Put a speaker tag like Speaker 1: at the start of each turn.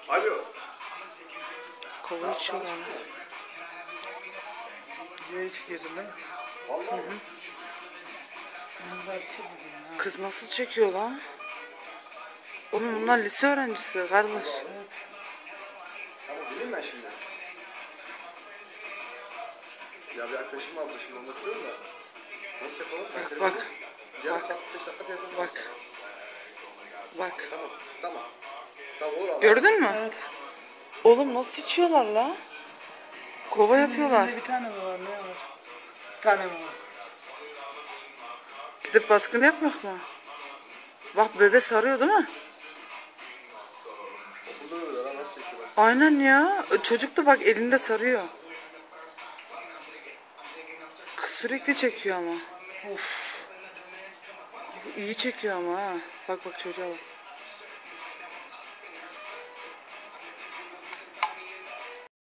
Speaker 1: Alo.
Speaker 2: Kova içiyorlar.
Speaker 3: Nereye çıkıyorsun lan?
Speaker 1: Vallahi.
Speaker 2: Kız nasıl çekiyor lan? Oğlum bunlar lise öğrencisi kardeş.
Speaker 1: Ama bileyim ben şimdi. Ya bir arkadaşım aldı şimdi anlatıyorum da. Nasıl yapalım?
Speaker 2: Bak.
Speaker 1: Yarım saat 5 dakika telefon.
Speaker 2: Bak. Bak.
Speaker 1: Tamam. Tamam. Tamam olur abi.
Speaker 2: Gördün mü?
Speaker 3: Evet.
Speaker 2: Oğlum nasıl içiyorlar la? Kova yapıyorlar.
Speaker 3: Bir tane mi var? Ne var? Bir tane mi var?
Speaker 2: Gidip baskın yapmak mı? Bak bebe sarıyor değil mi?
Speaker 1: Okulda da öyle lan nasıl çekiyorlar?
Speaker 2: Aynen ya. Çocuk da bak elinde sarıyor. Kız sürekli çekiyor ama. İyi çekiyor ama ha. Bak çocuğa bak.